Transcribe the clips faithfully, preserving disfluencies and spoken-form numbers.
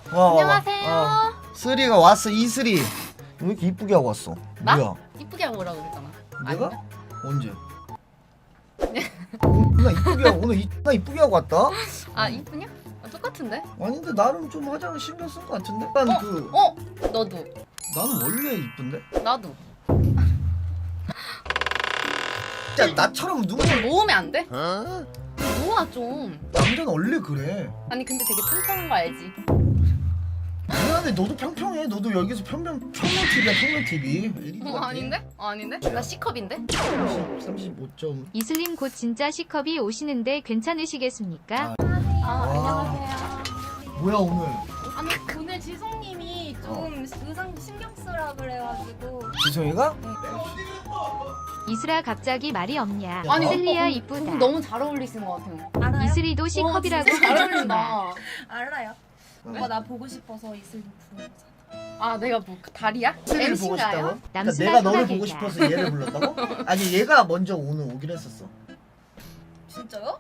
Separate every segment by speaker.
Speaker 1: 와,
Speaker 2: 안녕하세요.
Speaker 1: 와, 와. 쓰리가 왔어. 이쓰리. 왜 이렇게 이쁘게 하고 왔어?
Speaker 2: 나?
Speaker 1: 뭐야?
Speaker 2: 이쁘게 하고 오라고 그랬잖아.
Speaker 1: 내가?
Speaker 2: 아닌가?
Speaker 1: 언제? 나 이쁘게 하고 오늘 이, 나 이쁘게 하고 왔다?
Speaker 2: 아 이쁘냐? 아, 똑같은데?
Speaker 1: 아닌데 나름 좀 화장을 신경 쓴 것 같은데? 난
Speaker 2: 어?
Speaker 1: 그
Speaker 2: 어? 너도.
Speaker 1: 나는 원래 이쁜데?
Speaker 2: 나도.
Speaker 1: 진짜 나처럼 누가
Speaker 2: 좀 모으면 안 돼?
Speaker 1: 어?
Speaker 2: 모아 좀.
Speaker 1: 남자는 원래 그래.
Speaker 2: 아니 근데 되게 튼튼한 거 알지?
Speaker 1: 미안해, 너도 평평해. 너도 여기서 평평 평면 티비야, 평면 티비.
Speaker 2: 어 아닌데? 어, 아닌데? 나 C컵인데?
Speaker 1: 삼십오 점.
Speaker 3: 이슬님 곧 진짜 C컵이 오시는데 괜찮으시겠습니까?
Speaker 2: 아 안녕하세요.
Speaker 1: 뭐야 오늘?
Speaker 4: 아니 오늘 지성님이 좀 의상 신경 쓰라 그래가지고
Speaker 1: 지성이가?
Speaker 3: 이슬아 갑자기 말이 없냐?
Speaker 1: 아니,
Speaker 3: 이슬리야
Speaker 2: 오빠,
Speaker 3: 이쁘다.
Speaker 2: 너무 잘 어울리시는 것 같아요.
Speaker 4: 알아요?
Speaker 3: 이슬이도 C컵이라고
Speaker 2: 진짜 잘
Speaker 3: 하지마.
Speaker 2: 어울린다.
Speaker 4: 알아요. 오빠 나 보고 싶어서 이슬님 부른 거잖아.
Speaker 2: 아 내가 뭐 다리야?
Speaker 1: 쓰리를 보고 싶다고?
Speaker 2: 엠씨인가요?
Speaker 1: 그러니까
Speaker 3: 남순아
Speaker 1: 내가 너를
Speaker 3: 소라게야.
Speaker 1: 보고 싶어서 얘를 불렀다고? 아니 얘가 먼저 오늘 오기로 했었어.
Speaker 4: 진짜요?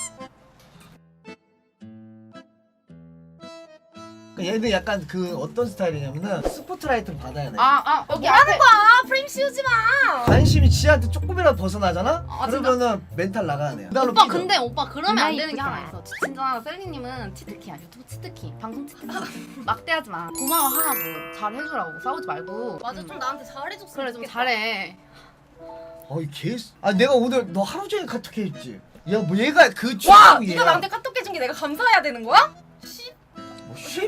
Speaker 1: 그러니까 얘는 약간 그 어떤 스타일이냐면은 스포트라이트를 받아야 돼.
Speaker 2: 아, 아 여기
Speaker 4: 뭐라는
Speaker 2: 앞에
Speaker 4: 거야? 프레임 씌우지 마.
Speaker 1: 관심이 지한테 조금이라도 벗어나잖아?
Speaker 2: 아,
Speaker 1: 그러면은 멘탈 나가야 돼. 그다음에
Speaker 2: 오빠
Speaker 1: 삐져.
Speaker 2: 근데 오빠 그러면 안 되는 게
Speaker 3: 이쁘다.
Speaker 2: 하나 있어. 진짜 셀리님은 치트키야. 유튜브 치트키. 방송 치트키. 막대하지 마. 고마워하라고. 잘 해주라고. 싸우지 말고.
Speaker 4: 맞아
Speaker 2: 음.
Speaker 4: 좀 나한테 잘해줬으면
Speaker 2: 그래 좀
Speaker 4: 좋겠다.
Speaker 2: 잘해.
Speaker 1: 어이 개. 아 내가 오늘 너 하루 종일 카톡해 줬지. 야 뭐 얘가 그
Speaker 4: 와!
Speaker 1: 취향이야.
Speaker 4: 네가 나한테 카톡 해준 게 내가 감사해야 되는 거야? 씨.
Speaker 1: 뭐 씨?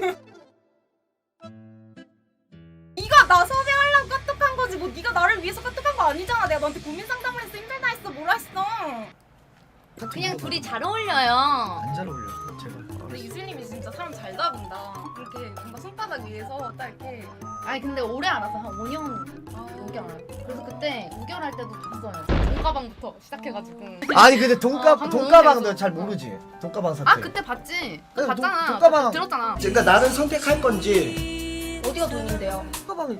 Speaker 4: 네가 나 섭외하려고 카톡한 거지 뭐 네가 나를 위해서 카톡한 거 아니잖아. 내가 너한테 고민 상담을 했어. 힘들다 했어. 뭐라 했어.
Speaker 1: 카톡
Speaker 2: 그냥
Speaker 1: 물어봐.
Speaker 2: 둘이 잘 어울려요.
Speaker 1: 안 잘 어울려. 제발.
Speaker 4: 근데 이슬님이 진짜 사람 잘 잡은다. 이렇게 뭔가 손바닥 위에서 딱 이렇게
Speaker 2: 아니 근데 오래 알아서 한 오 년, 오 개월 알았어. 그래서 그때 오 개월 할 때도 봤어요. 돈가방부터 시작해가지고.
Speaker 1: 아니 근데 돈가
Speaker 2: 어, 방금
Speaker 1: 돈가방도
Speaker 2: 너무
Speaker 1: 잘
Speaker 2: 재밌어.
Speaker 1: 모르지. 돈가방 사태.
Speaker 2: 아 그때 봤지? 그때
Speaker 1: 그래, 돈-
Speaker 2: 봤잖아.
Speaker 1: 돈가방.
Speaker 2: 들었잖아.
Speaker 1: 그러니까 나를 선택할 건지.
Speaker 4: 어디가 돈인데요?
Speaker 1: 돈가방이.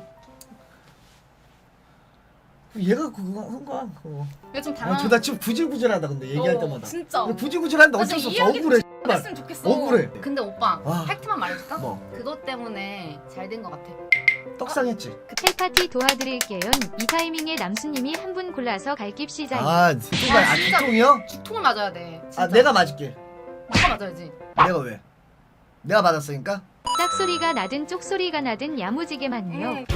Speaker 1: 얘가 그거 한 거야. 그거.
Speaker 2: 이거 좀
Speaker 1: 아,
Speaker 2: 당황.
Speaker 1: 저나 지금 구질구질하다 근데 얘기할
Speaker 4: 어,
Speaker 1: 때마다.
Speaker 4: 진짜.
Speaker 1: 근데 구질구질한데
Speaker 4: 나
Speaker 1: 어쩔 수
Speaker 4: 진짜
Speaker 1: 없어.
Speaker 4: 이해하기
Speaker 1: 억울해.
Speaker 4: 좀 했으면 좋겠어.
Speaker 1: 억울해.
Speaker 2: 근데 오빠
Speaker 1: 와.
Speaker 2: 팩트만 말해줄까?
Speaker 1: 뭐
Speaker 2: 그것 때문에 잘 된 것 같아.
Speaker 1: 떡상했지.
Speaker 3: 헬파티 도와드릴게요. 이 타이밍에 남순님이 한 분 골라서 갈깁시다.
Speaker 1: 아, 두통아, 아,
Speaker 2: 진짜.
Speaker 1: 두통이요?
Speaker 2: 죽통을 맞아야 돼. 진짜.
Speaker 1: 아, 내가 맞을게.
Speaker 2: 오빠 맞아야지.
Speaker 1: 내가 왜? 내가 맞았으니까.
Speaker 3: 짝소리가 나든 쪽소리가 나든 야무지게 맞요.
Speaker 4: 응.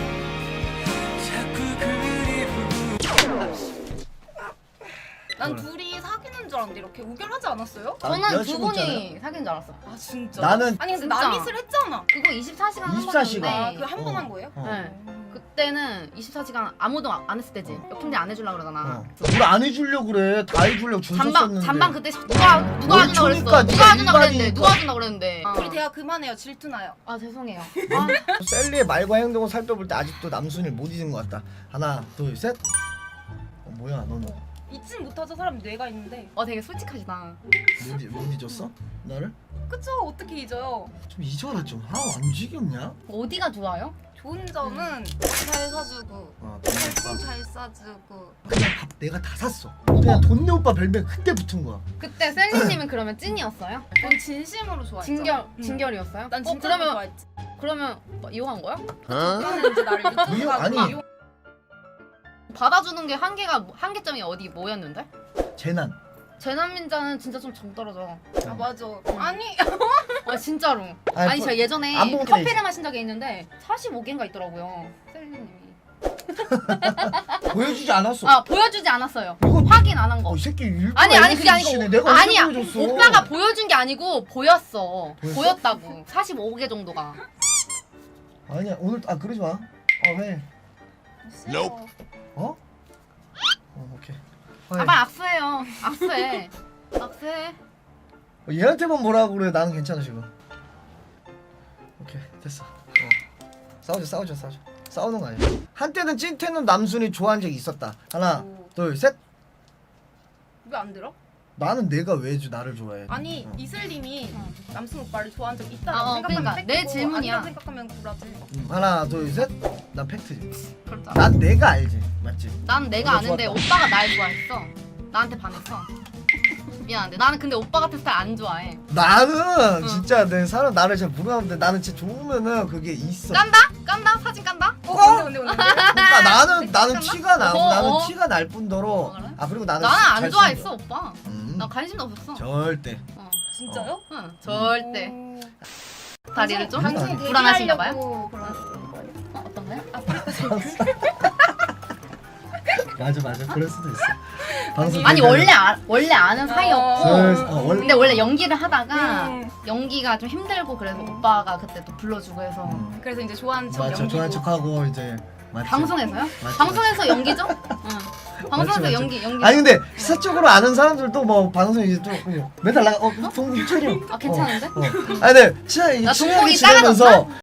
Speaker 4: 난 둘이 사귀는 줄 알았는데 이렇게 우결하지 않았어요?
Speaker 1: 아,
Speaker 2: 저는 두
Speaker 1: 여자친구잖아요.
Speaker 2: 분이 사귄 줄 알았어.
Speaker 4: 아 진짜?
Speaker 1: 나는
Speaker 4: 아니 근데
Speaker 2: 진짜.
Speaker 4: 남이슬 했잖아.
Speaker 2: 그거 이십사 시간 한
Speaker 1: 이십사 시간.
Speaker 4: 아,
Speaker 2: 번인데
Speaker 4: 그 한 번
Speaker 1: 어.
Speaker 4: 한 거예요?
Speaker 1: 어.
Speaker 2: 네. 그때는 이십사 시간 아무도 안 했을 때지.
Speaker 1: 어.
Speaker 2: 역행제 안 해주려고 그러잖아.
Speaker 1: 어. 뭘 안 해주려고 그래. 다 해주려고 줄
Speaker 2: 잔방
Speaker 1: 섰었는데.
Speaker 2: 잔방 그때 누가 누가
Speaker 1: 뭘
Speaker 2: 해준다 그랬어.
Speaker 1: 주니까
Speaker 2: 누가
Speaker 1: 네가
Speaker 2: 해준다 그랬는데
Speaker 1: 일반이니까.
Speaker 2: 누가 해준다 그랬는데. 어.
Speaker 4: 우리 대화 그만해요. 질투나요.
Speaker 2: 아 죄송해요. 아,
Speaker 1: 셀리의 말과 행동을 살펴볼 때 아직도 남순을 못 잊은 것 같다. 하나, 둘, 셋. 어, 뭐야, 너는
Speaker 4: 잊진 못하죠. 사람 뇌가 있는데.
Speaker 2: 어 되게 솔직하시다.
Speaker 1: 못, 잊- 못 잊었어? 나를?
Speaker 4: 그쵸? 어떻게 잊어요?
Speaker 1: 좀 잊어라 좀. 아, 안 지겹냐?
Speaker 2: 어디가 좋아요?
Speaker 4: 좋은 점은 잘 사주고
Speaker 1: 어,
Speaker 4: 돈 잘 싸주고
Speaker 1: 그냥 밥 내가 다 샀어. 그냥 돈내 오빠 별명 그때 붙은 거야.
Speaker 2: 그때 셀리님은 그러면 찐이었어요?
Speaker 4: 넌 진심으로 좋아했죠?
Speaker 2: 진결
Speaker 4: 응.
Speaker 2: 진결이었어요?
Speaker 4: 난
Speaker 2: 어,
Speaker 4: 진짜
Speaker 2: 그러면
Speaker 4: 좋아했지.
Speaker 2: 그러면 뭐 이용한 거야?
Speaker 4: 그거는 이제 나를 유튜브
Speaker 1: 이용-
Speaker 4: 가지고
Speaker 1: 아니.
Speaker 4: 이용-
Speaker 2: 받아주는 게 한계가 뭐- 한계점이 어디 뭐였는데?
Speaker 1: 재난.
Speaker 2: 재난민자는 진짜 좀 정 떨어져.
Speaker 4: 아 맞아.
Speaker 2: 응.
Speaker 4: 아니
Speaker 2: 아 진짜로.
Speaker 1: 아니,
Speaker 2: 아니
Speaker 1: 뭐-
Speaker 2: 제가 예전에
Speaker 1: 안 보면
Speaker 2: 커피를
Speaker 1: 되지.
Speaker 2: 마신 적이 있는데 사십오 개인가 있더라고요. 셀리님이.
Speaker 1: 보여주지 않았어.
Speaker 2: 아 보여주지 않았어요.
Speaker 1: 이건
Speaker 2: 확인 안 한 거.
Speaker 1: 어, 이 새끼 일부러
Speaker 2: 아니 아니 그게
Speaker 1: 에이티씨네.
Speaker 2: 아니고
Speaker 1: 내가 언제
Speaker 2: 아니야.
Speaker 1: 보여줬어?
Speaker 2: 오빠가 보여준 게 아니고 보였어.
Speaker 1: 보였어?
Speaker 2: 보였다고. 사십오 개 정도가.
Speaker 1: 아니야 오늘 아 그러지 마. 어 왜?
Speaker 4: 싫어.
Speaker 1: 어? 어 오케이.
Speaker 2: 아
Speaker 1: 아,
Speaker 2: 빨리 악수해요. 악수해. 악수해.
Speaker 1: 얘한테만 뭐라고 그래. 나는 괜찮아 지금. 오케이 됐어. 어. 싸우자 싸우자 싸우자. 싸우는 거 아니야. 한때는 찐텐은 남순이 좋아한 적이 있었다. 하나
Speaker 4: 오.
Speaker 1: 둘 셋.
Speaker 4: 왜 안 들어?
Speaker 1: 나는 내가 왜 주- 나를 좋아해?
Speaker 4: 아니
Speaker 1: 어.
Speaker 4: 이슬님이
Speaker 2: 응.
Speaker 4: 남순 오빠를 좋아한 적 있다고
Speaker 2: 아, 어,
Speaker 4: 생각하면
Speaker 2: 그러니까 내
Speaker 4: 팩트고
Speaker 2: 질문이야.
Speaker 4: 아니라고 생각하면 구라지.
Speaker 1: 음, 하나 둘 셋. 난 팩트지.
Speaker 2: 그렇다.
Speaker 1: 난 내가 알지 맞지?
Speaker 2: 난 내가
Speaker 1: 너가
Speaker 2: 아는데
Speaker 1: 좋았다.
Speaker 2: 오빠가 날 좋아했어. 나한테 반했어. 미안한데 나는 근데 오빠 같은 스타일 안 좋아해.
Speaker 1: 나는
Speaker 2: 응.
Speaker 1: 진짜 내 사람 나를 잘 모르는데 나는 진짜 좋으면은 그게 있어.
Speaker 2: 깐다? 깐다? 사진 깐다?
Speaker 4: 어 근데 근데 근데
Speaker 1: 그러니까 나는 나는
Speaker 2: 잠깐만.
Speaker 1: 티가 나
Speaker 2: 어,
Speaker 1: 나는
Speaker 2: 어.
Speaker 1: 티가 날 뿐더러
Speaker 2: 어, 그래?
Speaker 1: 아 그리고 나는
Speaker 2: 나는
Speaker 1: 잘
Speaker 2: 안
Speaker 1: 쓰는
Speaker 2: 좋아했어
Speaker 1: 거야.
Speaker 2: 오빠.
Speaker 1: 음,
Speaker 2: 나 관심도 없었어.
Speaker 1: 절대.
Speaker 2: 어.
Speaker 4: 진짜요?
Speaker 2: 응, 절대.
Speaker 4: 음.
Speaker 2: 다리를 좀
Speaker 1: 당신
Speaker 4: 당신이
Speaker 2: 불안하신가 봐요?
Speaker 4: 데뷔하려고 그러는 거예요?
Speaker 2: 어, 어떤 거요?
Speaker 1: 맞아 맞아 그럴 수도 있어. 방송
Speaker 2: 아니
Speaker 1: 데뷔하려고.
Speaker 2: 원래 아, 원래 아는 사이였고
Speaker 1: 슬슬, 어, 원래
Speaker 2: 근데 원래 연기를 하다가
Speaker 4: 음.
Speaker 2: 연기가 좀 힘들고 그래서
Speaker 4: 음.
Speaker 2: 오빠가 그때 또 불러주고 해서
Speaker 1: 음.
Speaker 4: 그래서 이제 좋아하는 척
Speaker 1: 맞죠
Speaker 4: 연기고.
Speaker 1: 좋아하는 척하고 이제 맞지.
Speaker 2: 방송에서요?
Speaker 1: 맞지,
Speaker 2: 방송에서 연기죠? 응. 방송에서
Speaker 1: 맞지.
Speaker 2: 연기 연기.
Speaker 1: 아니 근데 사적으로 아는 사람들도 뭐 방송 이제 좀 맨날 나가 어 동국철이
Speaker 2: 아 괜찮은데?
Speaker 1: 어, 어. 아니 근데 진짜 이
Speaker 2: 나
Speaker 1: 친하게
Speaker 2: 동공이
Speaker 1: 지내면서
Speaker 2: 작아졌나?